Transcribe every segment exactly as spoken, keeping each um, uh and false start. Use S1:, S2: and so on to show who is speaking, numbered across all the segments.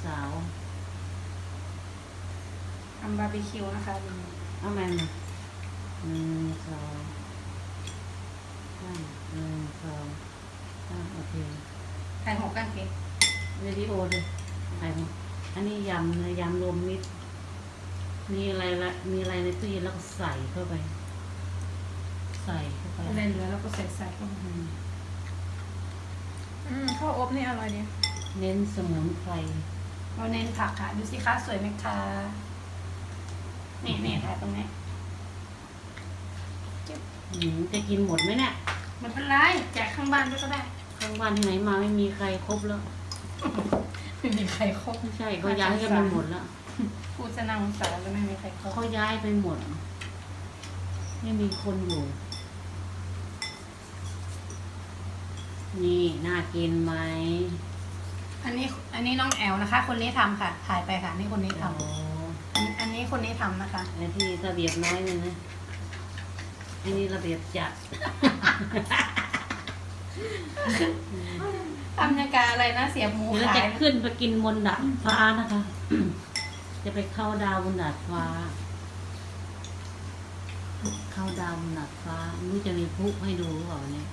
S1: สาว
S2: ทำบาร์บีคิวนะคะ
S1: เอาแมนหนึ่งสองสามหนึ่งสองสามโอเค
S2: ถ่ายหกกันเก็บ
S1: วิดีโอเลยถ่ายหกอันนี้ยำเลยยำรวมมิตรมีอะไรละมีอะไรในตู้เย็นแล้วก็ใส่เข้าไปใส่เข้าไป
S2: อะไรเหลือแล้วก็ใส่ใส่เข้าไป
S3: อืมข้าวอบนี่อร่อยดี
S1: เน้นสมุนไพร
S2: เราเน้นผักค่ะดูสิคะสวยไหมคะนี่นี่ถ่ายตรงนี้
S1: จะกินหมดไหมเนี่ย
S2: มันเป็นไรแจกข้างบ้านด้วยก็ได้
S1: ข้างบ้านที่ไหนมาไม่มีใครครบแล้ว
S2: ไม่มีใครครบ
S1: ไม่ใช่เขาย้ายกันไปหมดแล้ว
S2: พูดจะนั่งสารแล้วไม่มีใครครบ
S1: เขาย้ายไปหมดไม่มีคนอยู่นี่น่ากินไหม
S2: อันนี้อันนี้น้องแอลนะคะ คนนี้ทำค่ะ ถ่ายไปค่ะนี่คนนี้ทำอันอันนี้คนนี้ทำนะคะ
S1: ไอ้ที่ระเบียบน้อยนึงนะอันนี้ระเบียบจัด
S2: ทำยากาอะไรนะเสียบหมู
S1: ขาย
S2: ขาย
S1: จะขึ้นไปกินบนดาดฟ้านะคะ จะไปเข้าดาวบนดาดฟ้า เข้าดาวบนดาดฟ้าไม่รู้จะมีพลุให้ดูหรือเปล่าเนี่ย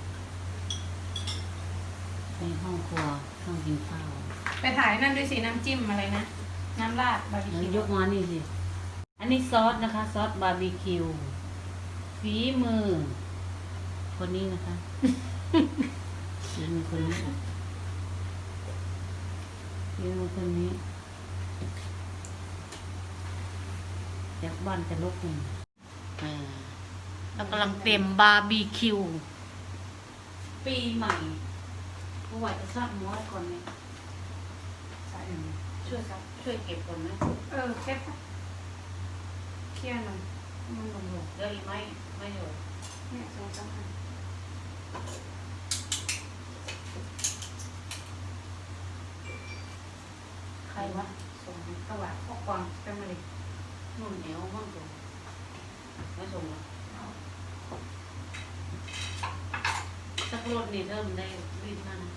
S1: ในห้องครัวห้องกินข้าว
S2: ไปถ่ายนั่นด้วยสิน้ำจิ้มอะไรนะน้ำราดบาร์บีคิวย
S1: กมานี่สิอันนี้ซอสนะคะซอสบาร์บีคิวฝีมือคนนี้นะคะฝีมือคนนี้ฝีมือคนนี้จากบ้านจะลกหนึ่งเรากำลังเตรียมบาร์บีคิวปีใหม่เมื่อวานจะทราบม้อยก่อนไหมช่วยครับช่วยเก็บก่อนไหม
S2: เออเก็บเคลียร์หน่อย
S1: มันลงหลงเดี๋ยวอีกไม่ไม่อยู่
S2: เนี่ยสองสามอันใครวะส่งกระบะข้อความกันมาเลย
S1: นุ่นเหนียวมั่งตัวไม่ส่งหรอกสักรถนี่เริ่มได้รีบนั่น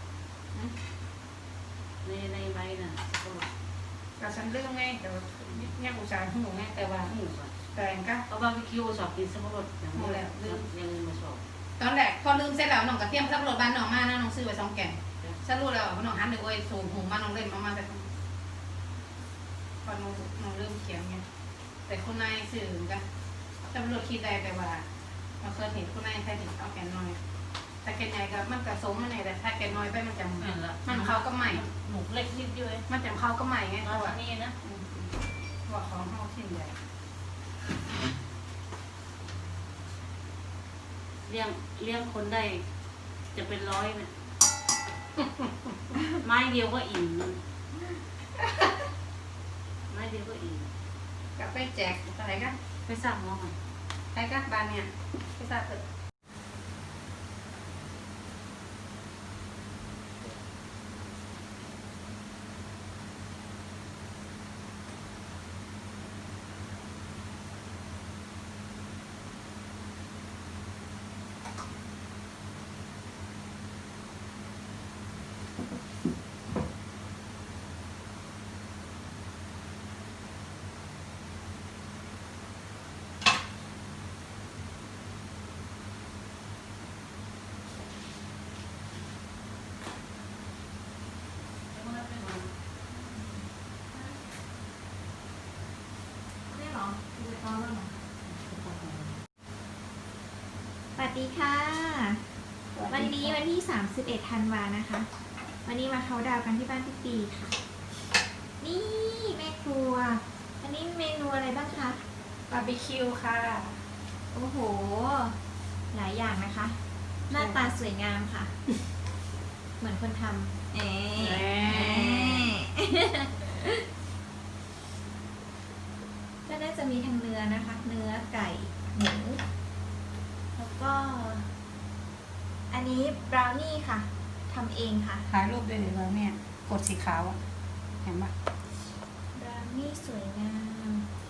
S1: ในในใบน่ะสักรถ
S2: แต่ฉันเรื่องไงแต่เนี่ยอุตส่าห์หนูไงแต่ว่า
S1: หมูก่อน
S2: แต่งก็
S1: เอาบาร์บีคิวสอบกินสักรถอย่างนี้แล้วยังมาสอบ
S2: ตอนแรกพอลืมเสร็จแล้วน้องกระเทียมสักรถบ้านน้องมานะน้องซื้อไปสองแก่นฉันรู้แล้วว่าน้องหันดูไอ้สูงหูมาน้องเล่นมามาแต่พอน้องน้องเริ่มเขียนไงแต่คุณนายสื่อกันตำรวจคิดได้แต่ว่าเราเคยเห็นคุณนายใครถึงเอาแก่นน้อยแต่แก่นใหญ่ก็มันกระสมมันไงแต่ถ้าแก่นน้อยไปมันจะมันเขาก็ใหม่
S1: หมูเล็กนิดเดียว
S2: มันจะเขาก็ใหม่ไงเพราะว่า
S1: นี่นะ
S2: ว่าของเขาชิ้นใหญ่
S1: เลี้ยงเลี้ยงคนได้จะเป็นร้อยเนี่ยไม้เดียวก็อิ่มไม้เดียวก็อิ่ม
S2: ก็ไปแจกอะไรกัน
S1: ไปสั่งหม้อก่อน
S2: ไปกันบ้านเนี่ยไปสั่งเถอะ
S3: สวัสดีค่ะวันนี้วันที่สามสิบเอ็ดธันวานะคะ วันนี้มาเขาดาวกันที่บ้านพี่ปีค่ะนี่แม่ครัวอันนี้เมนูอะไรบ้างคะ
S2: บาร์บีคิวค่ะ
S3: โอ้โหหลายอย่างนะคะ หน้าตาสวยงามค่ะ เหมือนคนทำเอ๊ก็น่าจะมีทั้งเนื้อนะคะ เนื้อไก่หมูแล้วก็อันนี้บราวนี่ค่ะทำเองค่ะ
S2: ถ่ายรูปด้วยเลยว่าเนี่ยกดสีขาวอ่ะเห็นปะ
S3: บราวนี่สวยงาม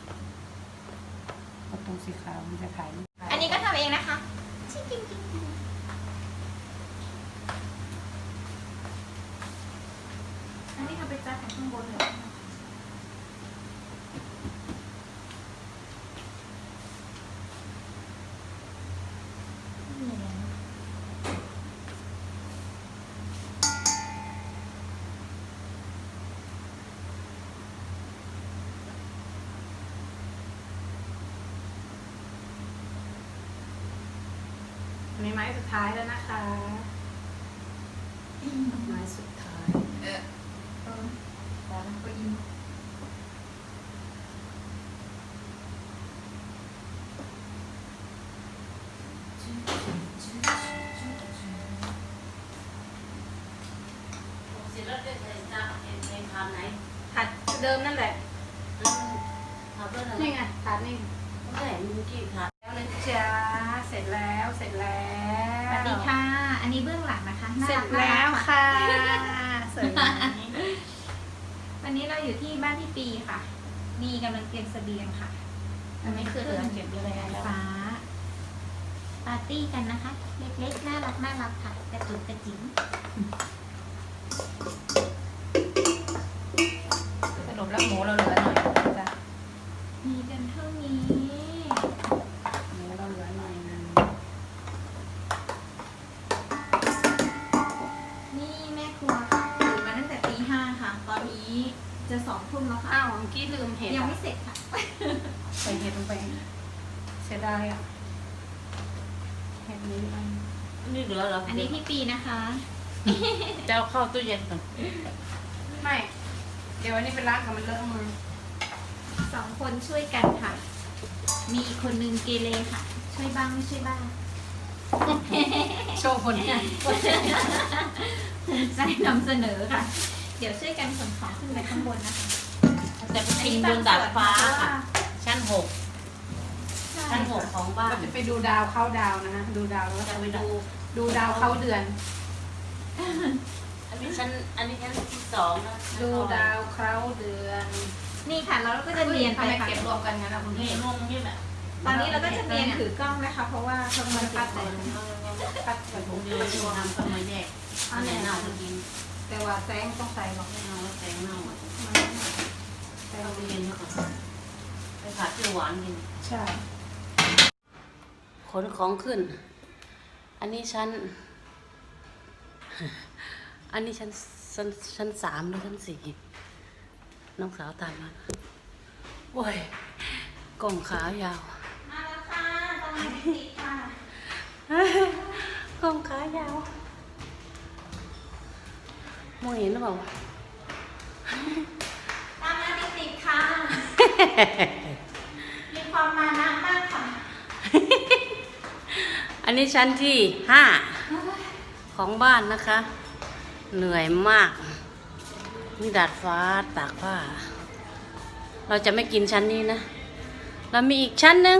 S2: กดตรงสีขาวมันจะถ่าย
S3: อันนี้ก็ทำเองนะคะอันนี้เอาไปจัดของข้างบนเลยนี่ไง
S2: อันนี้ไม้สุดท้ายแล้วนะคะไม้สุดท้าย
S3: เออขอก็อิน
S1: เสร็จแล้วจะใส่ตาเอ็นเอ็นทานไหน
S2: ถัดเดิมนั่นแหละ
S1: ทำเพื่ออะไร
S2: นี่ไงถัดนี่
S1: ไม่ใช่มึงกี่ทาน
S2: แล้วนะจ๊ะเสร็จแล้วเสร็จแล้ว
S3: สวัสดีค่ะ อันนี้เบื้องหลังนะคะน่า
S2: เสร็
S3: รั
S2: จ
S3: กมาก
S2: แล้วค่ะสวยไหม
S3: วันนี้เราอยู่ที่บ้านพี่ปีค่ะ นี่กำลังเตรียมเสบียงค่ะ
S2: อันนี้คือเหลือเก็บอยู่แล้ว
S3: ฟ้า ปาร์ตี้กันนะคะ เล็กๆ น่ารักน่ารักค่ะกระจุกกระจิ๋ง
S2: สรุปแล้วหมูเราเหลือหน่อยจ้ะ
S3: มีกันเท่านี้
S2: หมูเราเหลือหน่อยนึง
S3: นี่แม่ครัวค่ะตื่นมาตั้งแต่ตีห้าค่ะ ตอนนี้จะสองทุ่มแล้วค่ะ
S2: อ้าวเมื่อกี้ลืมเห็ด
S3: ยัง
S2: อะ
S3: ไม่เสร็จค่ะ
S2: ใส่เห็ดลงไปเสียดายอ่ะเห็ดนี้มัน
S1: นี่เหลือเหรอ
S3: อันนี้พี่ปีนะคะ
S1: จะเอาเข้าตู้เย็นก่อน
S2: ไม่ เดี๋ยวอันนี้เป็นล้างกับมันเลอะมือ
S3: สองคนช่วยกันค่ะ มีอีกคนนึงเกเรค่ะ ช่วยบ้างไม่ช่วยบ้าง
S2: โชว์ผลงาน
S3: ภูมิใจนำเสนอค่ะ เดี๋ยวช่วยกันขนของขึ้นไปข้างบนนะคะ
S1: จะไปกินบนดาดฟ้าค่ะชั้นหก
S3: ใช่
S1: ชั้นหกของบ้า
S2: เรา
S1: น
S2: จะไปดูดาวเข้าดาวนะฮะดูดาวแล้วก็
S1: จะ
S2: จะ
S1: ไป
S2: ไป
S1: ดู
S2: ดูดูดาวเข้าเดือน
S1: อันนี้ชั้นอันนี้ชั้นที่สองนะ
S2: ดูดาวเข้าเดือน
S3: นี่ค่ะแล้วเราก็จะเรียน
S2: ทำ
S3: ไป
S2: ไม
S3: ค่ะ
S2: เก็บรวมกันงั้นนะคุณ
S1: นี่
S2: พี่
S1: รวมนี่แหละ
S3: ตอนนี้เราก็จะเรียนถือกล้องนะคะ เพราะว่าเขามาปัดเลย
S2: ปัดใส่
S1: ผ
S2: ถุ
S1: ม
S2: ง
S1: เดี
S2: เดี
S1: ย
S2: ยว ว
S1: ที่
S2: ชัวร์
S1: ทำก็มาแยกอันไหนเน่าก็กิน
S2: แต่ว่าแสงต้องใส่หรอก
S1: ไม่เอาแล้วแตงเน่าอ่ะ
S2: แต่
S1: เอาไปเย็นแล้วก่อนไปผัดเปรี้ยวหวานกิน
S2: ใช่
S1: ขนของขึ้น อันนี้ชั้น อันนี้ชั้นชั้นชั้นสามหรือชั้นสี่น้องสาวตามมาโอ้ยกล่องขายาว
S3: มาแล้วค่ะตอนนี้ติดค่ะ
S1: กล่องขายาวมองเห็นหรือเปล่า
S3: ตามมาติดๆค่ะ มีความมานะมากค่ะ
S1: อันนี้ชั้นที่ห้าของบ้านนะคะ เหนื่อยมากนี่ดาดฟ้าตากผ้า เราจะไม่กินชั้นนี้นะ เรามีอีกชั้นหนึ่ง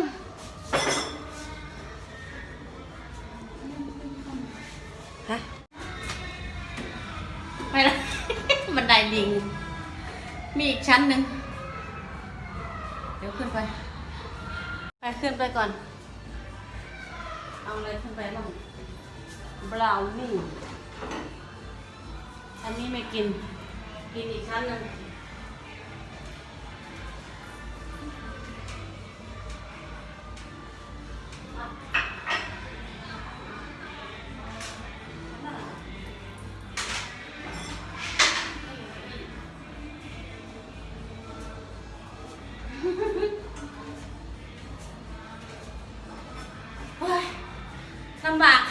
S1: ฮะไม่ละ บันไดลิง มีอีกชั้นหนึ่งเดี๋ยวขึ้นไป ไปขึ้นไปก่อน เอาอะไรขึ้นไปบ้างบราวนี่ อันนี้ไม่กิน กินอีกชั้นหนึ่งโอ้ยลำบาก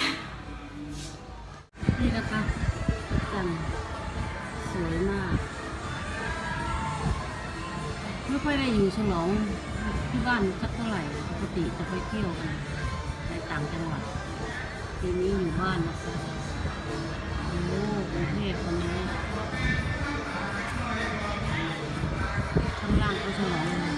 S1: นี่นะคะจันสวยมาก ไม่ค่อยได้อยู่ฉลองที่บ้านสักเท่าไหร่ ปกติจะไปเที่ยวกันในต่างจังหวัดปีนี้อยู่บ้านนะคะโอ้กรุงเทพวันนี้ข้างล่างก็ฉลองเลย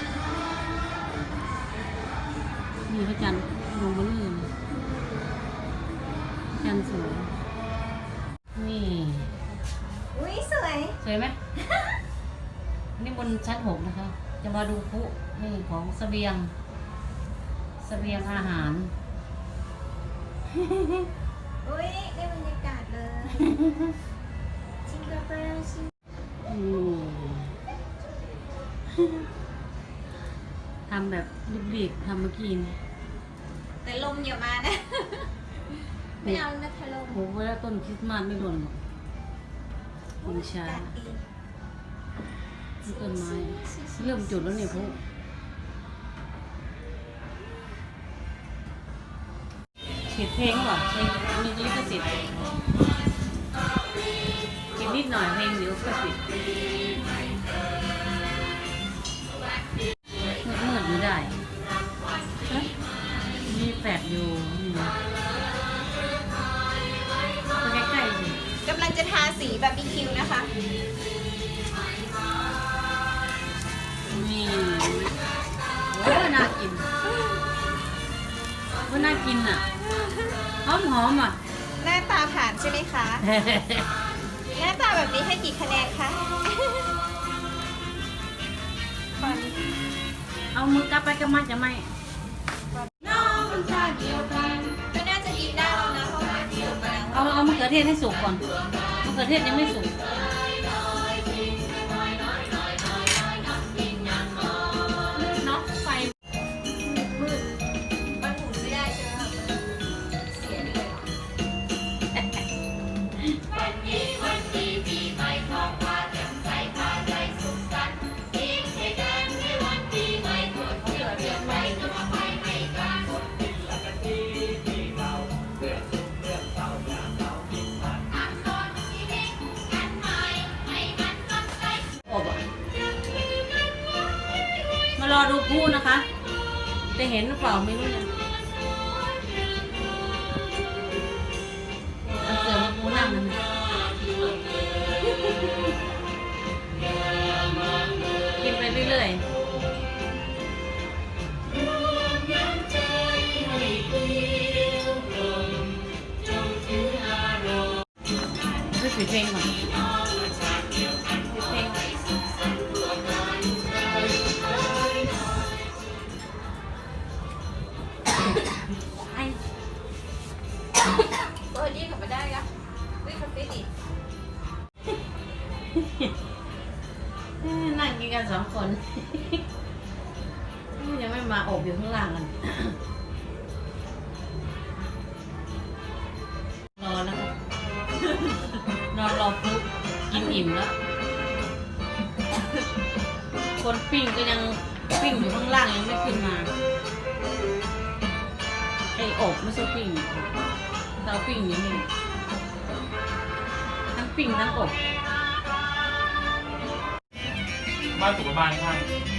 S1: นี่พระจันทร์ลงมาเรื่อยเลยพระจันทร์สวย นี่
S3: อุ้ยสวย
S1: สวยไหม นี่บนชั้นหกนะคะ จะมาดูพลุนี่ของเสบียง เสบียงอาหาร
S3: อุ้ยได้บรรยากาศเลย จิงเกิลเบลชิง
S1: ทำแบบรีบๆทำเมื่อกี้นี่
S3: แต่ลมอย่ามานะ ไม่เอานะทะลม
S1: โหเวลาต้นคริสต์มาสไม่หล่นหรอกมันช้าที่ต้นไม้เริ่มจุดแล้วเนี่ยพวกเขียนเพลงเหรอเพลงมีลิขสิทธิ์กินนิดหน่อยเพลงเดี๋ยวก็ปิดมืดๆไม่ได้ฮะมีแฟลชอยู่นี่นะไปใกล้ๆสิ
S3: กำลังจะทาสีบาร์บีคิวนะคะ
S1: นี่โอ้ยน่ากินว่าน่ากินอ่ะหอมหอมๆอ่ะ
S3: หน้าตาผ่านใช่ไหมคะ หน้าตาแบบนี้ให้กี่คะแนนคะ
S1: เอามือกลับไปกับมันจะไม่
S3: ก็น่าจะกินได้แล้วนะเพราะว่าเดียวกัน
S1: เอาเอามะเขือเทศให้สุกก่อนมะเขือเทศยังไม่สุก
S3: เนาะไฟมืดมันหมุนไม่ได้ใช่ไหมคะเสียเลย
S1: อบอ่ะมารอดูพูนะคะ จะเห็นหรือเปล่าไม่รู้เนี่ยเอาเสือมาปูนั่งนั่นน่ะกินไปเรื่อยๆช่วยปิดเพลงก่อนปิดเพลง ไอ้
S3: เออนี่กลับมาได้ละวิ่งคาเฟ่ดิ
S1: นั่งกินกันสองคน ยังไม่มาอบอยู่ข้างล่างกัน รอแล้วครับนอนรอปุ๊บกินอิ่มแล้ว คนปิ้งก็ยังปิ้งอยู่ข้างล่างยังไม่ขึ้นมา ไอ้อบไม่ใช่ปิ้งเตาปิ้งอย่างนี้ทั้งปิ้งทั้งอบ
S4: บ้านสุขบ้านข้าง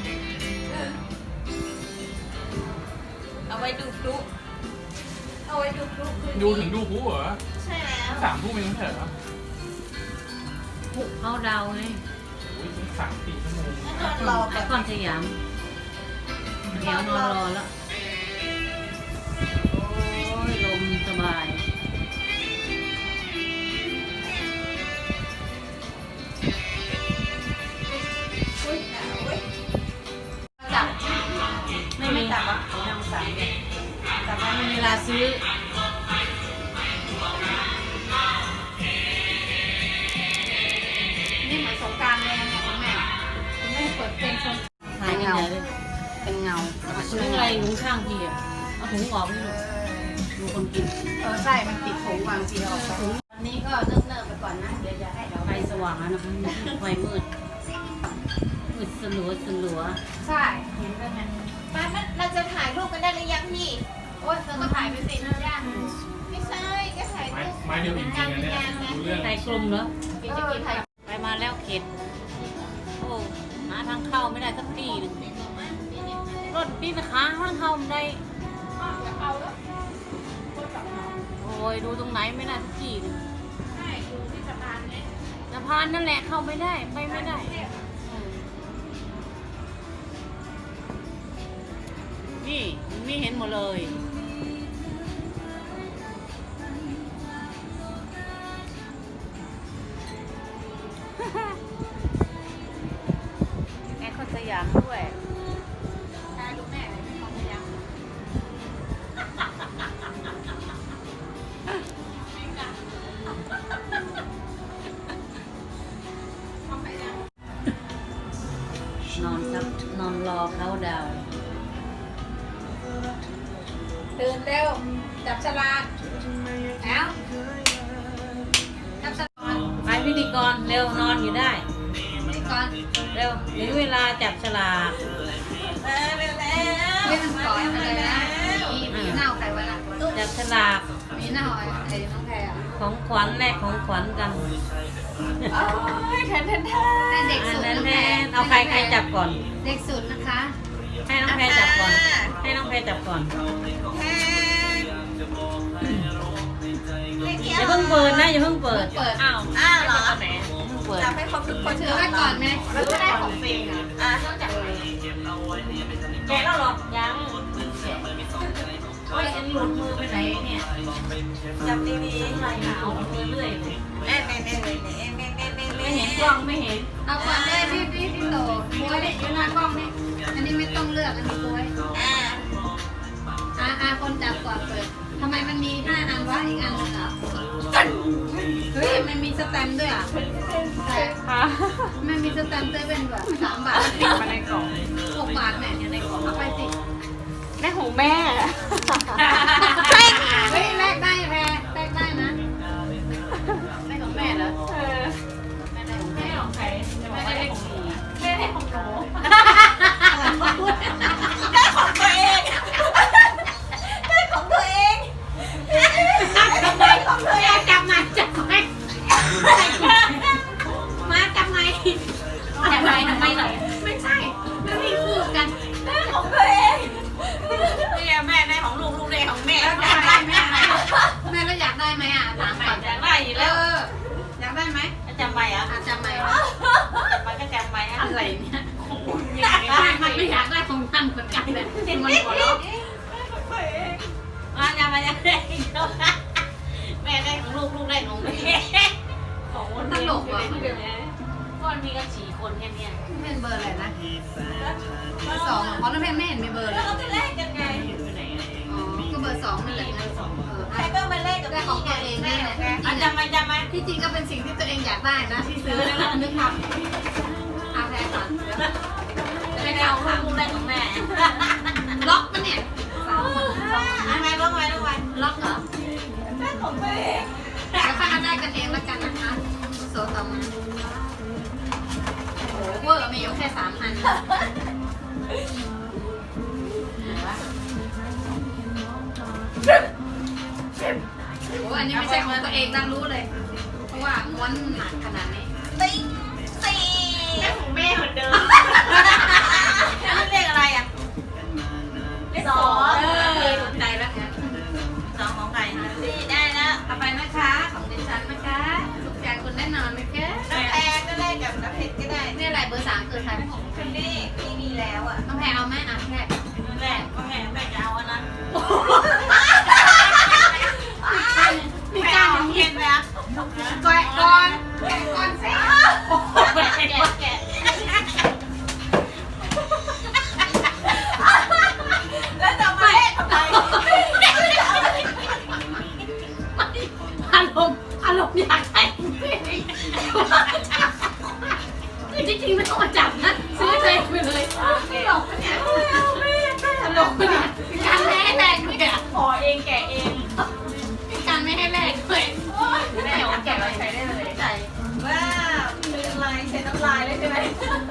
S3: เอาไว้ดูพลุเอาไว้ดูพลุคืนนี้
S4: ดูถึงดูผู้เหรอ
S3: ใช่แล้ว
S4: สามทุ่มเองไม่ใช่เหรอ
S1: ผูกเขาดาวไง
S4: โอ้ยสามสี่ชั่วโมง
S3: นอนรอ
S1: ไอ
S3: แบบ
S1: คอนสยาม เดี๋ยวนอนรอแล้ว โอ้ยลมสบาย
S3: อุ้ยหนาวเว้ย
S1: จับ ไม่มีจับอ่ะนางสามจับไม่มีเวลาซื้อ
S2: นี่เหมือนสงกรารเลยนะคุณแม่คุณแม่เปิดเพลงชม
S1: ถ่ายกันใหญ่เลย
S2: เป็นเงา
S1: ถุงอะไรถุงข้างพี่อ่ะ เอาถุงออกไม่ดูดูคนกิน
S2: เออใช่ มันติดถุงวางทีออกไปวันนี้ก็เนิ่มๆไปก่อนนะ เดี๋ยวจะให้เรา
S1: ไฟสว่างแล้วนะคะไฟมืด มืดสลัวสลัว
S2: ใช่ เห็นแล้วไง
S3: ป้ามันเราจะถ่ายรูปกันได้หรือยังพี่
S2: โอ๊ยเธอก็ถ่ายไปสิย่าง
S3: ไม่ใช่ก็ถ่าย
S4: ไม้
S3: รูป
S4: ไม้เดียวจริงๆนะเนี่ยดูเรื่อง
S1: ไฟกลมเหรอ
S2: กินจะกินถ่าย
S1: ไปมาแล้วเข็ด โอ้หาทางเข้าไม่ได้สักทีหนึงรถนี่นะคะทางเข้าไม่ได้
S2: เอาแล้ว
S1: โอ้ยดูตรงไหนไม่ได้สักทีหนึง
S2: ใช่อยู่ที่สะพานเนี่ย
S1: สะพานนั่นแหละเข้าไม่ได้ไปไม่ได้เออนี่มันไม่เห็นหมดเลย แอร์คอนสยามด้วย
S2: ถ่ายรูปแม่เลยไม่ต้องพยายามทำไปยัง
S4: ช
S1: นอนครับนอนรอเขาดาวน์
S2: ตื่นเร็วจับฉลากแล้วจับฉลาก
S1: ไปพิธีกรเร็วนอนอยู่ได้
S2: นี่ก่อน
S1: เร็วถึงเวลาจับฉลาก
S2: เล่นก่อนอะไรนะมีมีเน่าใครวะล่ะ
S1: จับฉลาก
S2: มีเน่าไอ้น้องแพรอ่ะ
S1: ของขวัญแลกของขวัญกัน
S3: โอ้ยแทนแทนแท
S2: ให้
S3: น
S2: เด็ก
S1: อั
S2: สุ
S1: น
S2: ด
S1: นั้น
S2: น้อง
S1: แท
S2: แพร
S1: นเอาใครใครจับก่อน
S2: เด็กสุดนะคะ
S1: ให้น้องแพรจับก่อน ให้น้องแพรจับก่อนอย่าเพิ่งเปิดนะอย่าเพิ่งเปิด
S2: เปิด
S1: อ้าว
S3: อ้าวเหรอ
S1: อย่าเพิ่งเปิด
S3: จับให้ครบทุกคน
S2: ถือไว้ก่อนไหม
S3: แล้วก็ได้ของฟรีอ่ะอ่ะต้องจับเลย
S1: แกะแล้วเหรอยังโอ้ยอันนี้หลุดมือไปไหนเนี่ย
S3: จับดีๆหน่อยค่ะ
S1: หลุดมือเรื่อยเลย
S3: แน่แน่แน่แน่แน่แน่แน่แน่
S1: ไม่เห็นกล้องไม่เห็น
S2: เอาก่อนเลยพี่พี่พี่โตบวยเนี่ยอยู่หน้ากล้องนี่อันนี้ไม่ต้องเลือกอันนี้บวย
S3: อ่า
S2: อ่าอ่าคนจับก่อนเปิดทำไมมันมีห้าอันวะอีกอันหนึงเหรอเฮ้ยมันมีสแตมป์ด้วยอ่ะ
S3: ค่ะ
S2: มันมีสแตมป์เซเว่นแบบสามบาท
S3: มาในกล่อง
S2: หกบาทเนี่ยอยู่ในกล่องเอาไปสิ
S3: แม่ของแม่
S2: เฮ้ยแลกได้แพรแลกได้นะ
S1: ไม่ของแม่เหรอ
S3: เออ
S1: ไม่ได้ของแม่ของใครจะบอกว่าได้ของหนู
S3: แม่ให้ของหนูได้ของตัวเองได้ของตัวเองได้ของตัวเอง
S2: จับมาจับไมมาจับไม
S1: จับไปทำไมเหรอ
S2: ไม่ใช่แล้วมีคู่กัน
S3: ได้ของตัวเอง
S1: เนี่ยแม่ได้ของลูกลูกได้ของแม่
S2: แล้วอยากได้ไหมแม่แล้วอยากได้ไหมอ่ะถามก่อน
S1: จะได้อยู่
S2: เอ
S1: แล้ว
S2: ออยากได้ไหม
S1: จำไปอ่ะ
S2: อาจจะไม่
S1: มันก็จำไปอ่ะ
S2: อะไรเนี่ยไม่มันไม่อยากได้ของท่านเหมือนกันเลยมันหัวเราะ
S1: มาจำไปจะได้แม่ได้ของลูกลูกได้ของแม่ของคนเดียวก็มันมีกันสี่คนแค่นี้
S2: เป็นเบอร์อะไรนะเบอร์สองเพราะน้องแพนไม่เห็นมีเบอร์เล
S3: แล้ว
S2: ย
S3: เราจะแลกกันไง
S1: อยู่ไหน
S2: อ๋อก็เบอร์สองนั่นแหละเออ
S3: ใครก็มาแลกกับ
S2: ได้ของตัวเองนี่แหละ
S1: อ่ะจำไปจำไป
S2: ที่จริงก็เป็นสิ่งที่ตัวเองอยากได้นะที่ซื้อแล้วก็นึกทำเอาแพรก่อน
S1: จะได้เอาลูกลูกได้ของแม่
S2: ล็อกปะเนี่ยสามคน
S1: ทำไมล็อกไว้ล็อกไว้
S2: ล็อกเหรอ
S3: ได้ของตัวเอง
S2: เดี๋ยวค่อยมาได้กันเองแล้วกันนะคะโซต่อมาโอ้โหเวอร์มีอยู่แค่สามอันโอ้อันนี้ไม่ใช่ของตัวเองนะรู้เลย เพราะว่าม้วนหนักขนาดนี้
S3: ติ๊งสี่
S1: แม่ของแม่เหมือนเดิมนี่เลขอะไรอ่ะ
S3: สอง
S2: เออสนใจแล้วเนี่ย
S1: สองของใคร
S3: สี่ได้แล้ว
S2: เอาไปนะคะของดิฉันนะคะถูกใจคุณแน่นอนไหมคะ
S3: น้ำแพงก็ได้กับน้ำเพชรก็ได้
S2: นี่อะไรเบอร์สามคือใคร
S3: คนนี้พี่มีแล้วอ่ะ
S2: น้องแพรเอาไหมอ่ะแพร
S1: แม่ก็แม่แม่จะเอาอันนั้น
S2: มีการอย่าง
S1: เห็
S2: นี้
S1: นไหมอ่ะ
S2: แกะก่อนแกะก่อนสิ
S1: แกะแกะแกะ
S3: แล้วจะมาแลกทำไม
S2: อารมณ์อารมณ์อยากแต่งคือจริงๆไม่ต้องมาจับนะซื้อเองไปเลยไม่หลอกปะเนี่ยตลกปะเนี่ยมีการไม่ให้แลกด้วยอ่ะ
S1: ขอเองแกะเอง
S2: มีการไม่ให้แลกด้วย
S1: แม่เอาแกะเราใช้ได้เลย
S3: ใส่ว้าวเป็นลายใช้น้ำลายเลยใช่ไหม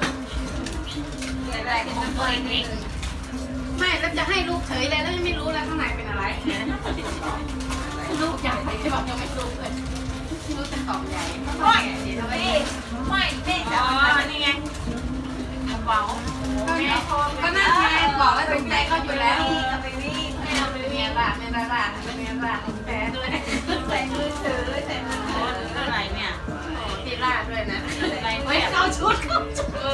S3: อะไรของตัวเอง
S2: ไม่แล้วจะให้ลูกเฉยเลยแล้วยังไม่รู้เลยข้างในเป็นอะไรลูกใหญ่ที่บอกยังไม่รู้เลยลูกเป็นกล่องใหญ่
S3: ไม่ไม่ไม่ไม่จะ
S1: อ๋อ
S3: เอาไป
S1: นี่ไงกระเป๋า
S2: ก็น่าแทนบอกว่าถูกใจเขาอยู่แล้ว
S3: เอาไปวิ่ง
S2: ไม่เอาไปเมียละเมียละละเมียละแพ้ด้วย
S3: ใส่มือถือใส่มือถือ
S1: เท่าไหร่เนี่ย
S2: ตีล่าด้วยนะ
S1: อะไร
S2: ไว้
S1: เนี่ย
S2: เข้าชุดเข้าชุด
S1: เอ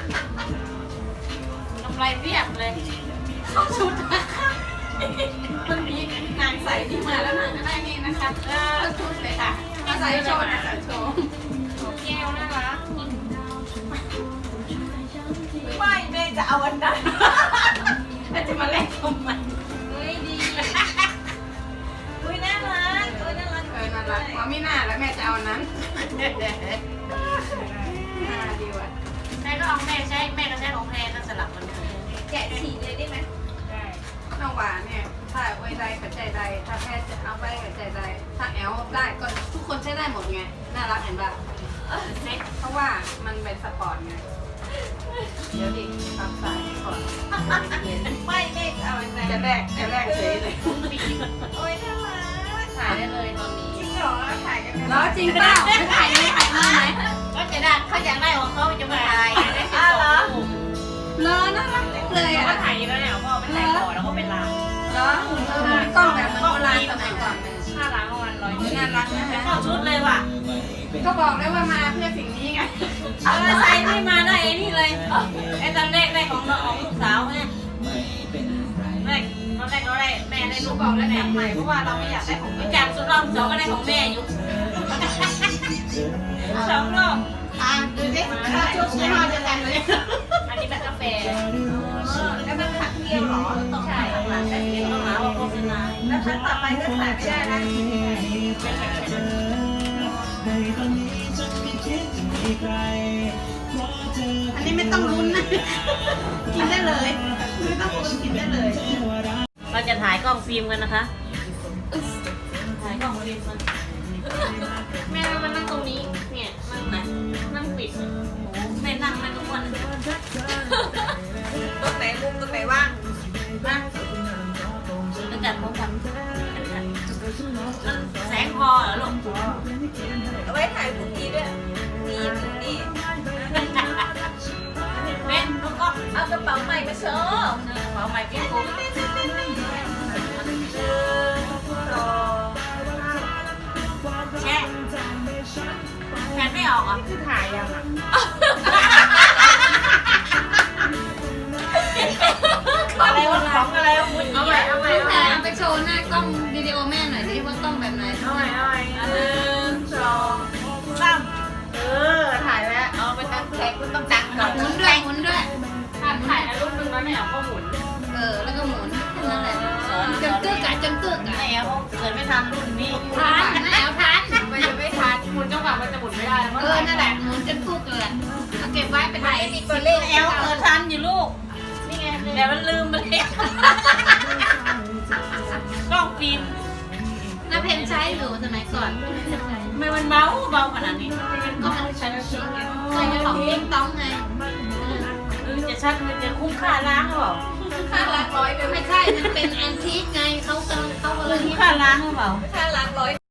S1: อกำไรเพียบเลย
S2: เข้าชุดนะคะมันมีนางใส่ที่มาแล้วนางจะได้นี่นะคะเออชุดเลยค่ะมาใส่โชว์นะใส่โชว์
S1: แก้วน่ารัก
S3: ไม่แม่จะเอาอันนั้น
S2: แล้วจะมาเล่นทำไม
S3: เฮ้ยดีอุ้ยน่ารักอุ้ยน่ารัก
S2: เออน่ารักว่าไม่น่าแล้วแม่จะเอานั้นน่าดีว่ะ
S1: แม่ก็เอาแม่ใช้แม่ก็ใช้ของ
S3: แกะฉีกเลยได้ไหม
S2: ได้น้องหวานเนี่ยถ้าไว้ใดกับใจใดถ้าแพทย์จะเอาไว้กับใจใดถ้าแอลได้ก็ทุกคนใช้ได้หมดไงน่ารักเห็นปะเพราะว่ามันเป็นสปอร์ตไงเดี๋ยวดิปรับสายก่อน
S3: ไม่เด็กเอาอะไร
S2: จะแรกจะแรกเฉยเลย
S3: โอ้ยน่ารัก
S1: ถ่ายได้เลยตอนนี้
S3: จริงเหรอถ่ายกันไหม
S2: แล้วจริงเปล่าไม่ถ่ายไม่ถ่ายมาไหม
S1: ก็จะได้เขาอยากได้ของเขาจะมาถ่ายได้สิบสองรูป
S2: เลอน่ารักจังเลย
S1: เขา
S2: อ่ะ
S1: ก็ถ่ายแล้วเนี่ยพ่อไปถ่ายก่อนแล้วก็เป็นร้าน
S2: เหรอกล้องแบบมันโบราณสมัยก่อนเลย
S1: ค่าร้านประมาณร้อย
S2: น่ารักนะฮะ
S1: เข้าชุดเลยว่ะ
S2: ก็บอกได้ว่ามาเพื่อสิ่งนี้ไง
S1: เออใส่นี่มาได้ไอ้นี่เลยไอ้ตอนแรกได้ของน้องของลูกสาวไงแรกตอนแรกเราได้แม่ได้ลู
S2: ลู
S1: ก
S2: ก
S1: บบ อ
S2: อก ก
S1: แล้
S2: แล้ว ว
S1: แม่
S2: แม่
S1: ให
S2: ให
S1: ม่
S2: ม่เพราะว่าเราไม่อยากได้ของ
S1: จากสุดรอบสองก็ได้ของแม่อยู่สองรอบ
S2: อ่ะดูสิถ้าชุดยี่ห้อเดียวกันเลย
S1: อันนี้แบบกาแฟ
S3: แล้วมันขัดเกลียวเหรอ
S1: ต้องใช่ข้างหลังแต่ที่ต้องหาว่าโฆษณา
S3: แล้วครั้งต่อไปก็ใส่ไม่ได้นะ
S2: อันนี้ไม่ต้องลุ้นนะ กินได้เลย ไม่ต้องลุ้นกินได้เลย
S1: เราจะถ่ายกล้องฟิล์มกันนะคะถ่ายกล้องฟิล์มกันแม่มานั่งตรงนี้เนี่ยนั่งไหนนั่งปิดโอ้แม่นั่งนั่งทุกวัน
S3: ตรงไหนมุมตรงไหนว่าง
S1: นะแล้วจัดพร้อมกันมันแสงพอเหรอลูก
S3: เอาไว้ถ่ายพรุ่งนี้ด้วยนี่พรุ่งนี้
S1: แม่ลูกก็
S3: เอากระเป๋าใหม่มาโชว์
S1: เป๋าใหม่พี่ปุ๊บแช่แผ่นไม่ออกอ่ะคือถ่ายยังอ่ะอะไรวะของอะไรวะมุดเอาใหม่เอาใหม่
S2: ลูกแพรเอาไปโชว์หน้ากล้องวิดีโอแม่หน่อยดิว่ากล้องแบบไหน
S1: เอาใหม่เอาใหม่หนึ่งสองสามเออถ่ายแล้วเอาไปตั้งแท็กคุณต้องตั้งก่อน
S2: หมุนด้วยหมุนด้วย
S1: ถ่ายถ่ายรูปนึงแล้วไม่เอาก็หมุน
S2: เออ แล้วก็หมุนแค่นั้นแหละจนกึกอะจนกึกอะ
S1: ไม่เอาเกิดไม่ทันรุ่นนี้
S2: ทันนะแอลทัน
S3: มันจะไม่ทัน
S1: หมุนจังหวะมันจะหมุนไม่ได้แล้ว
S2: เออ นั่นแหละหมุนจนกึกเลยเอาเก็บไว้เป็นไร
S3: ไม่มีตัวเลข
S1: แอลเออทันอยู่ลูกนี่ไงแต่มันลืมไปแล้วกล้องฟิล์ม
S2: น้าเพนใช้อยู่สมัยก่อน
S1: ทำไมมันเบาเบาขนาดนี้
S2: ก็มันใช้ชิงไงใช้ของเลี้ยงต้องไง
S1: เออจะชัดมันจะคุ้มค่าล้างหรือเปล่า
S2: ค่าละร้อยไม่ใช่ มันเป็นแอนทิกไงเขากำลังเขากำลัง
S1: คุ้มค่าล้างหรือเปล่า
S3: ค่าล้างร้อย